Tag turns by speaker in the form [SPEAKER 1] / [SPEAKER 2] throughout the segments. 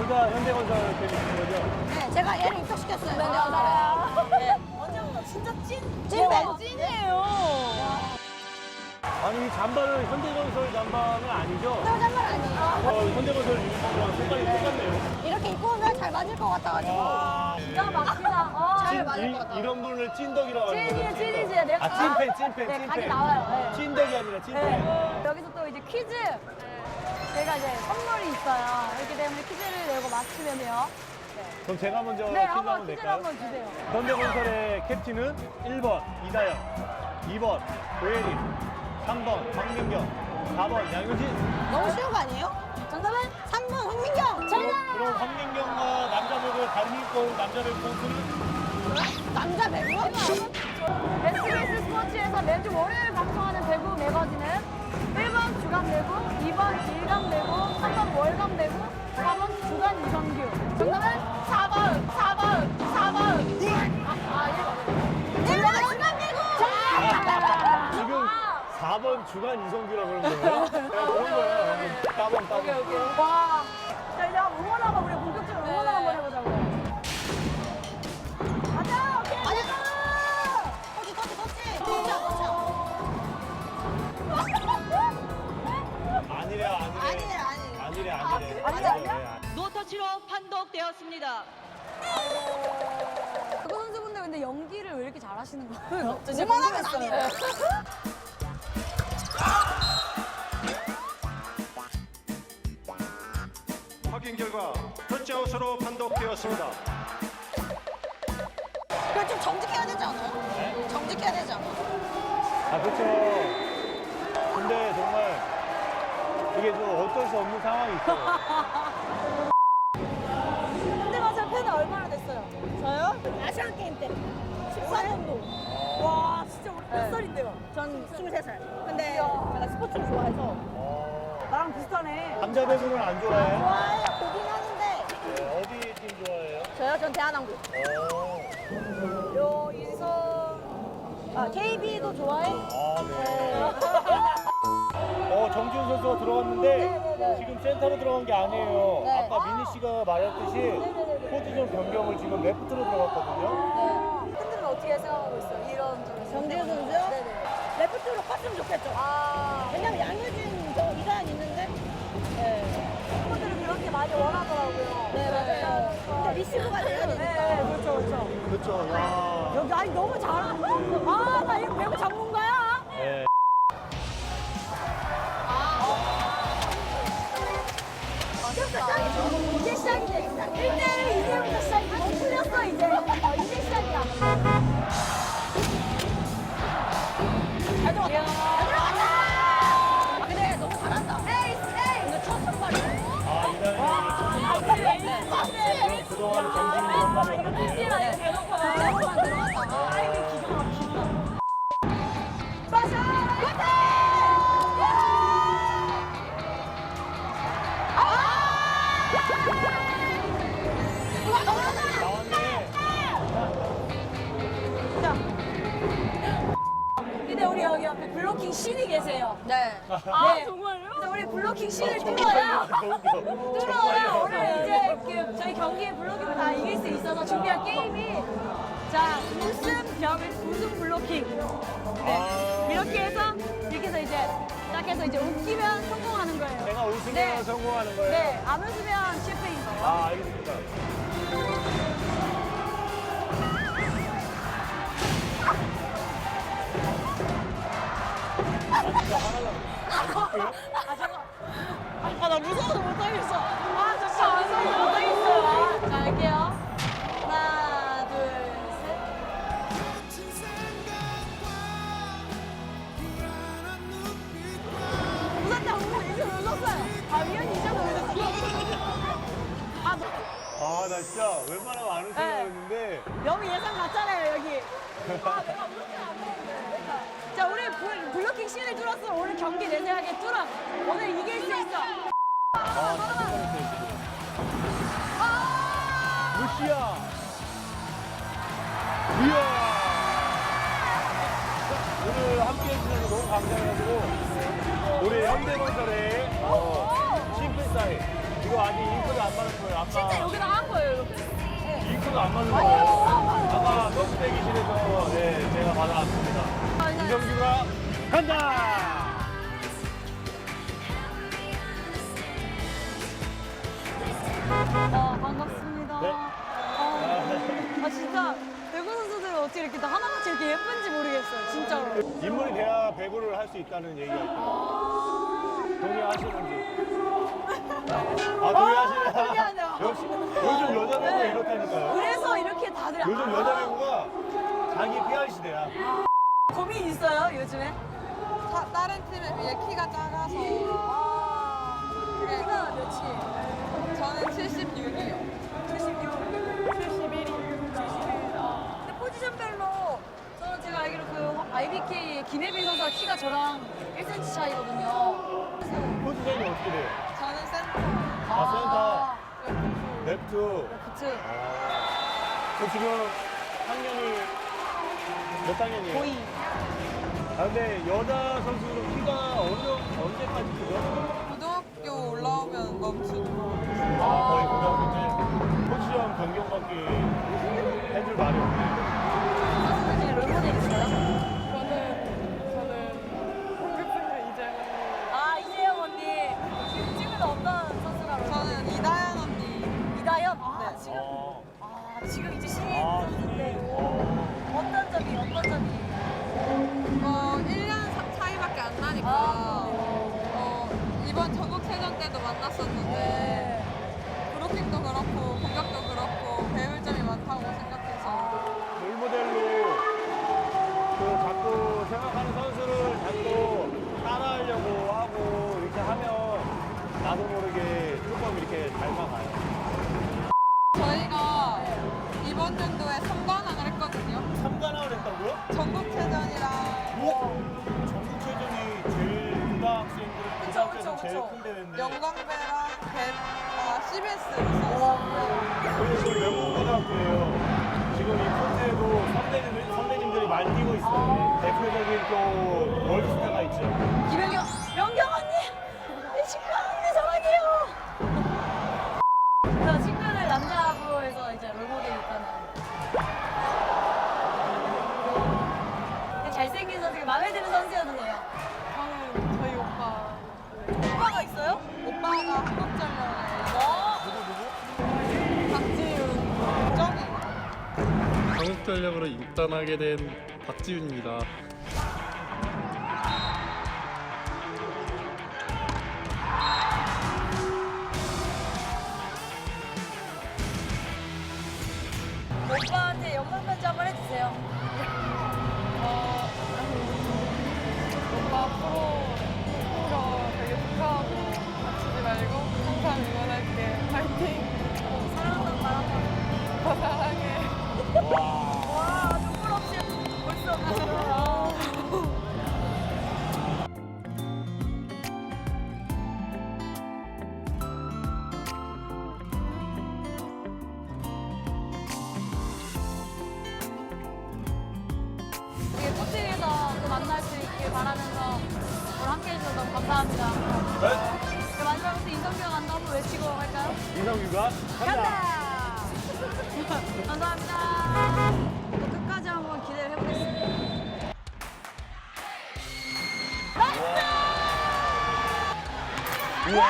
[SPEAKER 1] 여기가 현대건설 팬이신 거죠?
[SPEAKER 2] 네, 제가 얘를 입학시켰어요. 네.
[SPEAKER 3] 언제부터 진짜
[SPEAKER 2] 찐팬.
[SPEAKER 3] 찐이에요.
[SPEAKER 1] 아니 이 잠바는 현대건설 잠바는 아니죠?
[SPEAKER 2] 장난 아니에요.
[SPEAKER 1] 현대건설 유니폼이랑 색깔이 똑같네요.
[SPEAKER 2] 이렇게 입고 오면 잘 맞을 것 같아가지고.
[SPEAKER 3] 기가 막히다.
[SPEAKER 2] 잘 맞을 것 같아요.
[SPEAKER 1] 이런 분을 찐덕이라고 하는 거죠?
[SPEAKER 3] 찐이지. 내가
[SPEAKER 1] 아 찐팬.
[SPEAKER 3] 네, 각이 나와요. 네.
[SPEAKER 1] 찐덕이 아니라 찐팬.
[SPEAKER 3] 네. 여기서 또 이제 퀴즈. 제가 이제 선물이 있어요. 그렇기 때문에 퀴즈를 내고 맞추면요.
[SPEAKER 1] 그럼 제가 먼저
[SPEAKER 3] 네,
[SPEAKER 1] 퀴즈
[SPEAKER 3] 한번
[SPEAKER 1] 한번
[SPEAKER 3] 퀴즈를
[SPEAKER 1] 낼까요?
[SPEAKER 3] 한번 주세요.
[SPEAKER 1] 현대건설의 캡틴은 1번 이다영, 2번 고혜림, 3번 황민경, 4번 양효진.
[SPEAKER 2] 너무 쉬운 거 아니에요?
[SPEAKER 3] 정답은
[SPEAKER 2] 3번 황민경.
[SPEAKER 1] 그럼 황민경과 남자 배구 다리 입고 온 남자 배구 선수는
[SPEAKER 2] 남자 배구?
[SPEAKER 3] SBS 스포츠에서 매주 월요일 방송하는 배구 매거진은 1번 주간 배구, 2번 일간 배구, 3번 월간 배구, 4번 주간 이성규. 정답은 4번.
[SPEAKER 2] 내가 주간 배구.
[SPEAKER 1] 지금 4번 주간 이성규라고 그러는 거예요? 내가 그런 거예요. 따번.
[SPEAKER 3] 와. 자, 이제 한번 응원 한번 우리 본격적으로 응원 한번 해보자고요. 가자, 오케이.
[SPEAKER 2] 터치.
[SPEAKER 1] 아니래.
[SPEAKER 3] 아니야?
[SPEAKER 4] 노터치로 판독되었습니다.
[SPEAKER 3] 배구 선수분들 근데 연기를 왜 이렇게 잘하시는 거예요?
[SPEAKER 2] 그만하면 아니에요.
[SPEAKER 5] 확인 결과 터치아웃으로 판독되었습니다.
[SPEAKER 2] 그걸 좀 정직해야 되지 않아요? 정직해야 되지 않아요?
[SPEAKER 1] 아 그렇죠. 근데 정말 이게 좀 어쩔 수 없는 상황이 있어요.
[SPEAKER 3] 현대건설 팬은 얼마나 됐어요? 저요?
[SPEAKER 2] 아시안 게임 때
[SPEAKER 3] 14년도. 와, 진짜 우리 몇 살인데요?
[SPEAKER 2] 전 23살. 근데 제가 스포츠를 좋아해서
[SPEAKER 3] 나랑 비슷하네.
[SPEAKER 1] 남자 배구는 안 좋아해요?
[SPEAKER 2] 좋아해요. 보긴 하는데
[SPEAKER 1] 네, 어디 팀 좋아해요?
[SPEAKER 2] 저요? 전 대한항공.
[SPEAKER 3] 요, 인성.
[SPEAKER 2] KB도 좋아해?
[SPEAKER 1] 아 네. 정지훈 선수가 들어갔는데 지금 센터로 들어간 게 아니에요.
[SPEAKER 2] 네.
[SPEAKER 1] 아까 미니 씨가 말했듯이 포지션 변경을 지금 레프트로 들어갔거든요.
[SPEAKER 3] 팬들은 어떻게 생각하고 있어요? 이런 점에서.
[SPEAKER 2] 정지훈 선수요?
[SPEAKER 3] 네네.
[SPEAKER 2] 레프트로 컸으면 좋겠죠. 왜냐면 양효진, 이다현 있는데.
[SPEAKER 3] 팬분들은 그렇게 많이 원하더라고요.
[SPEAKER 2] 네, 맞아요. 근데 리시브가 돼야 되니까.
[SPEAKER 3] 네, 그렇죠.
[SPEAKER 1] 그렇죠. 와.
[SPEAKER 3] 여기 아니 너무 잘하는데. 나 이거 배구 전문가야.
[SPEAKER 1] 네.
[SPEAKER 3] 이제 시작이지. 1대1 이제부터 시작이지. 못 풀렸어 이제. 이제 시작이야.
[SPEAKER 2] 잘 들어갔다. 근데 너무 잘한다. 근데 첫 선발이네.
[SPEAKER 1] 이다현이 그동안 정지훈 선수를 했는데
[SPEAKER 2] 대본만 들어갔다가.
[SPEAKER 3] 기가 막히다.
[SPEAKER 1] 나왔네.
[SPEAKER 3] 근데 우리 여기 옆에 블로킹 신이 계세요.
[SPEAKER 2] 네.
[SPEAKER 3] 네. 정말요? 그래서 우리 블로킹 신을 뚫어야 오늘 이제 저희 경기의 블로킹을 다 이길 수 있어서 준비한 게임이 자 우승 블로킹 이렇게 해서 이제 시작해서 이제 웃기면 성공하는 거예요.
[SPEAKER 1] 내가 웃으면
[SPEAKER 3] 네.
[SPEAKER 1] 성공하는 거예요?
[SPEAKER 3] 네, 안 웃으면 실패인 거예요.
[SPEAKER 1] 알겠습니다.
[SPEAKER 2] 나 무서워서 못하겠어.
[SPEAKER 3] 저 진짜 무서워서 못하겠어요. 자, 할게요. 하나, 둘, 셋. 웃었다, 이제 웃었어요. 위원이 이제 웃었어.
[SPEAKER 1] 나 진짜 웬만하면 안 웃으려고
[SPEAKER 3] 네.
[SPEAKER 1] 했는데
[SPEAKER 3] 여기 예상 갔잖아요, 여기. 내가 웃지 않았는데. 자, 우리 블로킹 씬을 뚫었어. 오늘 경기 내 생각에 뚫어. 오늘 이길 수 있어.
[SPEAKER 1] 루시아. 이야. 오늘 함께 해주셔서 너무 감사해가지고 우리 현대건설의 싱크 사인 이거 아직 잉크도 안 맞은 거예요. 아까
[SPEAKER 3] 진짜 여기다 한 거예요, 이렇게.
[SPEAKER 1] 잉크도 안 맞은 거예요. 아까 서브 대기실에서 네, 제가 받아왔습니다. 이정규가 간다!
[SPEAKER 3] 반갑습니다.
[SPEAKER 1] 네.
[SPEAKER 3] 진짜 배구 선수들은 어떻게 이렇게 다 하나같이 이렇게 예쁜지 모르겠어요, 진짜로.
[SPEAKER 1] 인물이 돼야 배구를 할 수 있다는 얘기가 있더라고요. 동의하시는지. 동의하시네.
[SPEAKER 3] 동의하네요.
[SPEAKER 1] 역시 요즘 여자 배구가 이렇다니까요.
[SPEAKER 3] 그래서 이렇게 다들
[SPEAKER 1] 요즘 여자 배구가 자기 PR 시대야.
[SPEAKER 3] 고민 있어요, 요즘에?
[SPEAKER 6] 다른 팀에 비해 키가 작아서
[SPEAKER 3] 키가 몇이에요?
[SPEAKER 6] 저는 76이요.
[SPEAKER 3] 71이. 근데 포지션별로 저는 제가 알기로 그 IBK의 김혜빈 선수가 키가 저랑 1cm 차이거든요.
[SPEAKER 1] 포지션이 어떻게 돼요?
[SPEAKER 6] 저는 센터.
[SPEAKER 1] 센터, 레프트.
[SPEAKER 3] 그치.
[SPEAKER 1] 저 지금 학년이 몇 학년이에요?
[SPEAKER 3] 거의.
[SPEAKER 1] 근데 여자 선수는 키가 언제까지 크죠?
[SPEAKER 6] 고등학교 올라오면 멈추고.
[SPEAKER 1] 거의 고등학교 때 포지션 변경밖에 해줄 말이 없네.
[SPEAKER 3] 선수들 중에 롤모델 있어요?
[SPEAKER 6] 저는 홍급생과 이재원.
[SPEAKER 3] 이재영 언니. 지금 찍은 어떤 선수가 롤모델?
[SPEAKER 6] 저는 이다현 언니.
[SPEAKER 3] 이다현?
[SPEAKER 1] 어.
[SPEAKER 3] 지금 이제 신인
[SPEAKER 1] 아,
[SPEAKER 3] 선수인데.
[SPEAKER 1] 신인.
[SPEAKER 3] 어떤 점이?
[SPEAKER 6] 1년 차이밖에 안 나니까. 이번 전국체전 때도 만났었는데 브로킹도 그렇고 공격도 그렇고 배울 점이 많다고 생각해서
[SPEAKER 1] 롤모델로 그 자꾸 생각하는 선수를 자꾸 따라하려고 하고 이렇게 하면 나도 모르게 조금 이렇게 닮아가요.
[SPEAKER 6] 저희가 이번 연도에 3관왕을 했거든요.
[SPEAKER 1] 3관왕을 했다고요?
[SPEAKER 6] 전국체전이랑
[SPEAKER 1] 전국체전이 제일 고등학생들 고등학교에서 제일 큰 대회인데
[SPEAKER 6] 영광배랑 CBS로 있었어요.
[SPEAKER 1] 그리고 지금 명문고등학교예요. 지금 이 콘대에도 선배님들이 많이 뛰고 있어요. 대표적인 또 월드스타가 있죠.
[SPEAKER 3] 명경 언니! 내 친구 언니 사랑해요! 저 친구를 남자부에서 이제 롤모델 있다는. 잘생긴 선수, 마음에 드는 선수여도 돼요.
[SPEAKER 6] 저는 저희 오빠.
[SPEAKER 3] 오빠가 있어요?
[SPEAKER 6] 오빠가 한국전력에
[SPEAKER 3] 어?
[SPEAKER 6] 박지윤, 정이.
[SPEAKER 7] 한국전력으로 입단하게 된 박지윤입니다.
[SPEAKER 3] 오빠한테 영상 편지 한번 해주세요.
[SPEAKER 6] 오빠 프로 되게 축하하고 다치지 말고 항상 응원할게. 파이팅.
[SPEAKER 3] 사랑한다는 말 한번.
[SPEAKER 6] 오빠 사랑해.
[SPEAKER 3] 와, 눈물 없이 볼 수 없어. 우리 포팅에서 또 만날 수 있길 바라면서 오늘 함께 해주셔서 너무 감사합니다.
[SPEAKER 1] 네?
[SPEAKER 3] 마지막으로 인성규가 간다 한번 외치고 갈까요?
[SPEAKER 1] 이성규가 간다.
[SPEAKER 3] 감사합니다. 또 끝까지 한번 기대를 해보겠습니다.
[SPEAKER 1] 우와.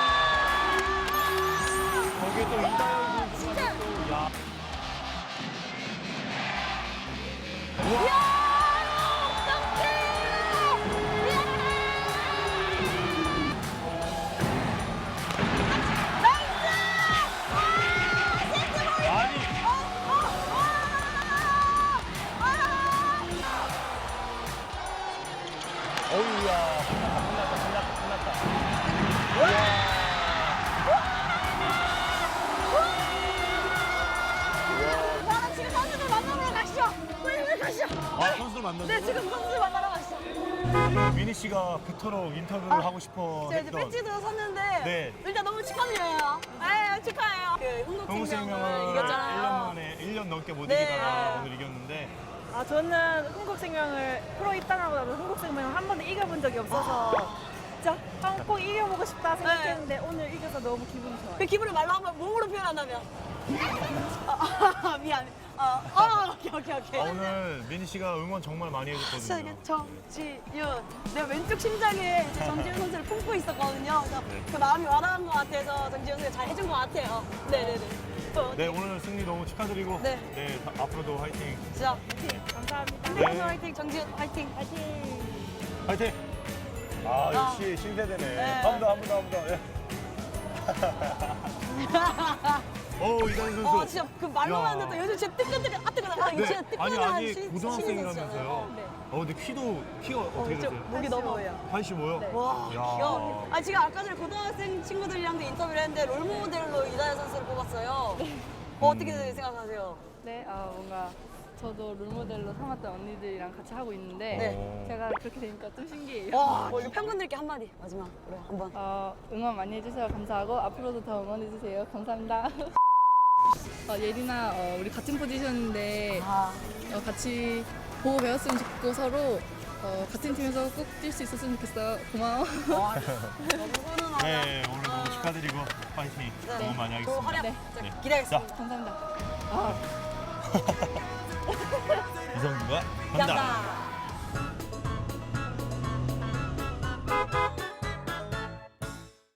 [SPEAKER 1] 거기에 또 이다현 선수가 또 야. 우와. 아니. 어이야. 끝났다.
[SPEAKER 3] 지금 선수들 만나러 가시죠. 빨리 가시죠.
[SPEAKER 1] 선수를 만났는데?
[SPEAKER 3] 네, 지금 선수들 만나러 가시죠.
[SPEAKER 1] 미니 씨가 그토록 인터뷰를 하고 싶어
[SPEAKER 3] 제가 이제
[SPEAKER 1] 했던
[SPEAKER 3] 배지도 샀는데
[SPEAKER 1] 네.
[SPEAKER 3] 일단 너무 축하드려요. 네, 축하해요. 그
[SPEAKER 1] 한국생명을
[SPEAKER 3] 흥국생명을
[SPEAKER 1] 1년
[SPEAKER 3] 이겼잖아요.
[SPEAKER 1] 만에 1년 넘게 못
[SPEAKER 3] 네.
[SPEAKER 1] 이기다가 오늘 이겼는데
[SPEAKER 2] 저는 흥국생명을 프로 입단하고 나서 흥국생명을 한 번도 이겨본 적이 없어서
[SPEAKER 3] 진짜?
[SPEAKER 2] 꼭 이겨보고 싶다 생각했는데 오늘 이겨서 너무 기분이 좋아요.
[SPEAKER 3] 그 기분을 말로 한번 몸으로 표현한다면? 미안. 오케이.
[SPEAKER 1] 오늘 민희 씨가 응원 정말 많이
[SPEAKER 3] 진짜
[SPEAKER 1] 해줬거든요.
[SPEAKER 3] 이게 정지윤. 내가 왼쪽 심장에 이제 정지윤 선수를 품고 있었거든요. 그래서 그 마음이 와닿은 것 같아서 정지윤 선수가 잘 해준 것 같아요. 네네네.
[SPEAKER 1] 네, 오늘 승리 너무 축하드리고
[SPEAKER 3] 네.
[SPEAKER 1] 앞으로도 화이팅.
[SPEAKER 3] 진짜.
[SPEAKER 2] 감사합니다.
[SPEAKER 1] 네.
[SPEAKER 3] 선수 화이팅, 정지윤 화이팅.
[SPEAKER 1] 화이팅. 아, 역시 신세대네.
[SPEAKER 3] 네.
[SPEAKER 1] 한 번 더. 예. 오, 이다은 선수.
[SPEAKER 3] 진짜 그 말로만
[SPEAKER 1] 야.
[SPEAKER 3] 듣도 요즘 진짜 뜨끈뜨끈 이거
[SPEAKER 1] 네.
[SPEAKER 3] 진짜
[SPEAKER 1] 아니,
[SPEAKER 3] 뜨끈한
[SPEAKER 1] 아직 고등학생이라면서요.
[SPEAKER 3] 네.
[SPEAKER 1] 근데 키가 어떻게 되세요?
[SPEAKER 3] 목이 넘어요.
[SPEAKER 1] 85요?
[SPEAKER 3] 네. 와,
[SPEAKER 1] 야.
[SPEAKER 3] 귀여워. 지금 아까 전에 고등학생 친구들이랑도 인터뷰를 했는데 롤모델로 이다현 선수를 뽑았어요. 어떻게 생각하세요?
[SPEAKER 8] 네, 뭔가 저도 롤모델로 삼았던 언니들이랑 같이 하고 있는데
[SPEAKER 3] 네.
[SPEAKER 8] 제가 그렇게 되니까 좀 신기해요.
[SPEAKER 3] 와, 우리 팬분들께 한마디 마지막 그래 한번.
[SPEAKER 8] 응원 많이 해주셔서 감사하고 앞으로도 더 응원해주세요. 감사합니다. 예린아, 우리 같은 포지션인데 같이 보고 배웠으면 좋겠고 서로 같은 팀에서 꼭 뛸 수 있었으면 좋겠어. 고마워.
[SPEAKER 3] 너무 훈훈하다.
[SPEAKER 1] 네, 오늘 너무 축하드리고 화이팅 너무 많이
[SPEAKER 3] 또
[SPEAKER 1] 하겠습니다.
[SPEAKER 3] 활약
[SPEAKER 8] 네.
[SPEAKER 3] 진짜 기대하겠습니다.
[SPEAKER 8] 감사합니다.
[SPEAKER 1] 이성규가
[SPEAKER 3] 감사합니다.